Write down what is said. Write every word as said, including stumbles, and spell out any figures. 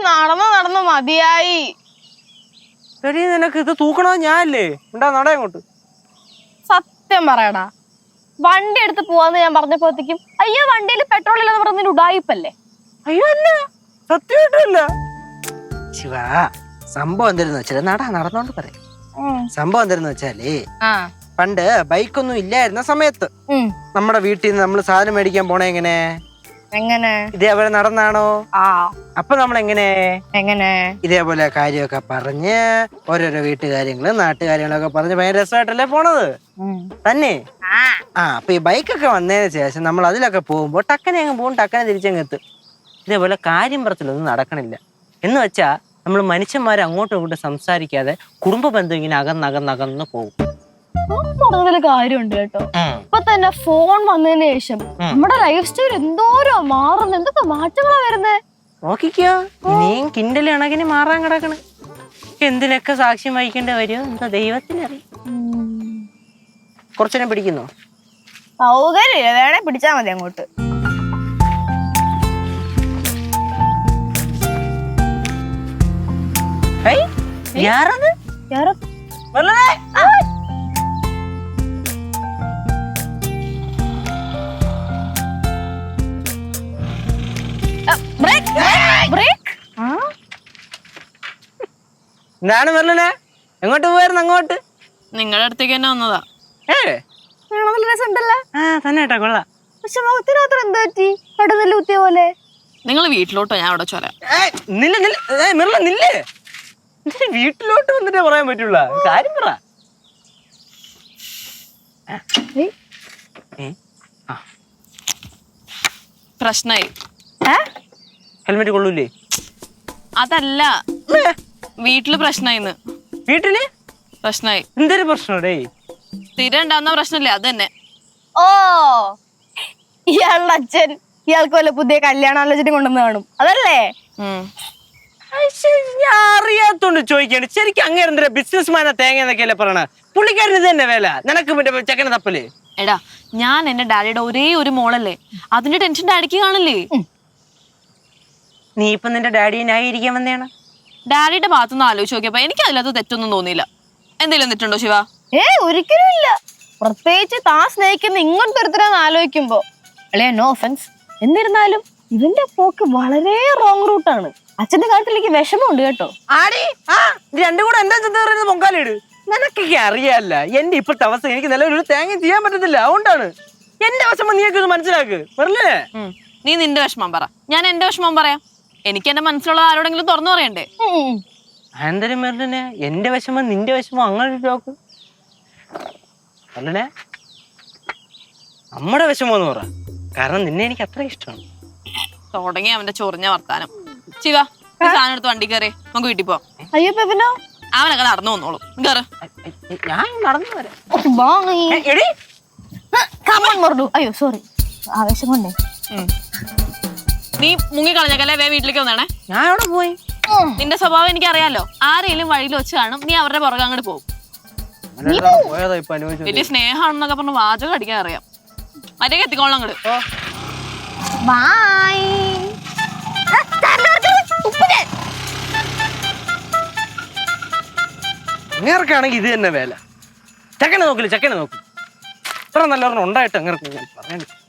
നടന്ന് നടന്ന് മതിയായി. നിനക്ക് ഇത് തൂക്കണോ ഞാനല്ലേ? ഉണ്ടാ നട അങ്ങോട്ട്. സത്യം പറയടാ, വണ്ടി എടുത്ത് പോവാന്ന് ഞാൻ പറഞ്ഞപ്പോഴത്തേക്കും അയ്യോ വണ്ടിയിൽ പെട്രോൾ ഇല്ലെന്ന് പറഞ്ഞ ഉടായിപ്പല്ലേ? അയ്യോ അല്ല, സത്യമായിട്ടല്ല. ശിവ, സംഭവം എന്തായിരുന്നു വെച്ചാല് നട നടന്നോണ്ട് പറയാം. സംഭവം എന്തായിരുന്നു വെച്ചാല് പണ്ട് ബൈക്കൊന്നും ഇല്ലായിരുന്ന സമയത്ത് നമ്മുടെ വീട്ടിൽ നിന്ന് നമ്മള് സാധനം മേടിക്കാൻ പോണേ എങ്ങനെ എങ്ങനെ ഇതേപോലെ നടന്നാണോ? ആ അപ്പൊ നമ്മൾ എങ്ങനെ എങ്ങനെ ഇതേപോലെ കാര്യമൊക്കെ പറഞ്ഞ് ഓരോരോ വീട്ടുകാര്യങ്ങള് നാട്ടുകാര്യങ്ങളൊക്കെ പറഞ്ഞ് ഭയങ്കര രസമായിട്ടല്ലേ പോണത് തന്നെ. ആ അപ്പൊ ഈ ബൈക്കൊക്കെ വന്നതിന് ശേഷം നമ്മൾ അതിലൊക്കെ പോകുമ്പോ ടക്കനെ അങ്ങ് പോകും, ടക്കനെ തിരിച്ചങ്ങ് എത്തും. ഇതേപോലെ കാര്യം പറച്ചിലൊന്നും നടക്കണില്ല. എന്ന് വെച്ചാ നമ്മൾ മനുഷ്യന്മാരെ അങ്ങോട്ടും ഇങ്ങോട്ടും സംസാരിക്കാതെ കുടുംബ ബന്ധം ഇങ്ങനെ അകന്നകന്നകന്ന് പോകും. പറഞ്ഞതില് കാര്യമുണ്ട് കേട്ടോ. ഇപ്പൊ തന്നെ ഫോൺ വന്നതിന് ശേഷം നമ്മുടെ ലൈഫ് സ്റ്റൈൽ എന്തോരോ മാറുന്നു, എന്തൊക്കെ മാറ്റങ്ങളാ വരുന്നേ. നോക്കിക്കോ, ഇനിയും കിണ്ടല് കണക്കിന് മാറാൻ കിടക്കണ്. എന്തിനൊക്കെ സാക്ഷ്യം വഹിക്കേണ്ടി വരുമോ എന്താ ദൈവത്തിനറിയാം. കുറച്ചേരം പിടിക്കുന്നോ? സൗകര്യമില്ല, വേണേ പിടിച്ചാ മതി അങ്ങോട്ട്. യാറത് എന്താണ് മെർലിനെ? എങ്ങോട്ട് പോയായിരുന്നു? അങ്ങോട്ട് നിങ്ങളുടെ അടുത്തേക്ക് തന്നെ വന്നതാ. തന്നെ കൊള്ളാം. പക്ഷെ മുഖത്തിന് മാത്രം എന്താ പറ്റി? കടുന്നല്ല കുത്തിയ പോലെ. നിങ്ങൾ വീട്ടിലോട്ടോ, ഞാൻ അവിടെ ചോരാം. വീട്ടിലോട്ട് വന്നിട്ടേ പറയാൻ പറ്റുള്ള കാര്യം പറ. പ്രശ്നായി. ഹെൽമെറ്റ് കൊള്ളൂലേ? അതല്ല, വീട്ടില് പ്രശ്നായിന്ന്. വീട്ടില് പ്രശ്നായി. എന്തൊരു പ്രശ്നം? സ്ഥിരം ഉണ്ടാവുന്ന പ്രശ്നല്ലേ അത് തന്നെ. ഓ, ഇയാളുടെ അച്ഛൻ ഇയാൾക്ക് വല്ല പുതിയ കല്യാണാലോചന കൊണ്ടുവന്ന് കാണും, അതല്ലേ? ഞാൻ അറിയാത്തോണ്ട് ചോദിക്കാണ്. ശരിക്കും അങ്ങനെ എന്താ ബിസിനസ് മാനാ തേങ്ങ എന്നൊക്കെയല്ലേ പറയണ? പുള്ളിക്കാരന് ഇത് തന്നെ വേല, നിനക്ക് മറ്റേ ചെക്കനെ തപ്പല്. എടാ, ഞാൻ എന്റെ ഡാഡിയുടെ ഒരേ ഒരു മോളല്ലേ, അതിന്റെ ടെൻഷൻ ഡാഡിക്ക് കാണില്ലേ? നീ ഇപ്പൊ നിന്റെ ഡാഡിയെ ന്യായീകരിക്കാൻ വന്നെയാണ്? ഡാഡിയുടെ ഭാഗത്തുനിന്ന് ആലോചിച്ച് നോക്കിയപ്പോ എനിക്ക് അതിനകത്ത് തെറ്റൊന്നും തോന്നിയില്ല. എന്തെങ്കിലും തെറ്റുണ്ടോ ശിവ? ഏ ഒരിക്കലും ഇല്ല. പ്രത്യേകിച്ച് താൻ സ്നേഹിക്കുന്ന ഇങ്ങോട്ട് ഒരുത്തരാന്ന് ആലോചിക്കുമ്പോ അല്ലേ, നോ ഒഫൻസ്. എന്നിരുന്നാലും ഇവന്റെ പോക്ക് വളരെ റോങ് റൂട്ടാണ്. അച്ഛന്റെ കാര്യത്തിലേക്ക് വിഷമമുണ്ട് കേട്ടോ. ആടി ആ രണ്ടും കൂടെ എന്താ ചെന്ന് പറയുന്നത്? പൊങ്കാലിട്. നിനക്കൊക്കെ അറിയാല്ല എന്റെ ഇപ്പോഴത്തെ അവസ്ഥ. എനിക്ക് നിലവിൽ ഒരു തേങ്ങ ചെയ്യാൻ പറ്റത്തില്ല. അതുകൊണ്ടാണ് എന്റെ വിഷമം നീയൊക്കെ ഇത് മനസ്സിലാക്ക്. പറഞ്ഞേ, നീ നിന്റെ വിഷമം പറ, ഞാൻ എന്റെ വിഷമം പറയാം. എനിക്ക് എന്റെ മനസ്സിലുള്ള ആരോടെങ്കിലും തുറന്നു പറയണ്ടേ? ആന്തരം മെർലിനെ, എന്റെ വിഷമം നിന്റെ വിഷമം അങ്ങനെ നോക്ക്. മെർലിനെ, നമ്മുടെ വിഷമം എന്ന് പറ, കാരണം നിന്നെ എനിക്ക് അത്ര ഇഷ്ടമാണ്. തുടങ്ങി അവന്റെ ചൊറിഞ്ഞ വർത്താനം. ശിവ, സാധനം എടുത്ത് വണ്ടി കയറി നമുക്ക് വീട്ടിൽ പോവാം. അയ്യോ പെപ്പിനോ, അവനൊക്കെ നടന്നു വന്നോളും. കേറ്. ഞാൻ നടന്നു വരാം. അയ്യോ സോറി, ആവേശം കൊണ്ടേ. നീ മുങ്ങിക്കളഞ്ഞല്ലേ, വേ വീട്ടിലേക്ക് വന്നേ. ഞാൻ എവിടെ പോയി? നിന്റെ സ്വഭാവം എനിക്ക് അറിയാലോ. ആരെങ്കിലും വഴിയിൽ വെച്ച് കാണും, നീ അവരുടെ പുറകെ അങ്ങോട്ട് പോകും. വലിയ സ്നേഹമാണെന്നൊക്കെ പറഞ്ഞ് വാചകം അടിക്കാൻ അറിയാം. മറ്റേ എത്തിക്കോളാം അങ്ങോട്ട്. അങ്ങേർക്കാണെങ്കിൽ ഇത് തന്നെ വേല. ചക്കനെ നോക്കില്ല, ചക്കനെ നോക്കി. ഇത്ര നല്ലവണ്ണം ഉണ്ടായിട്ട് അങ്ങനെ പറയാൻ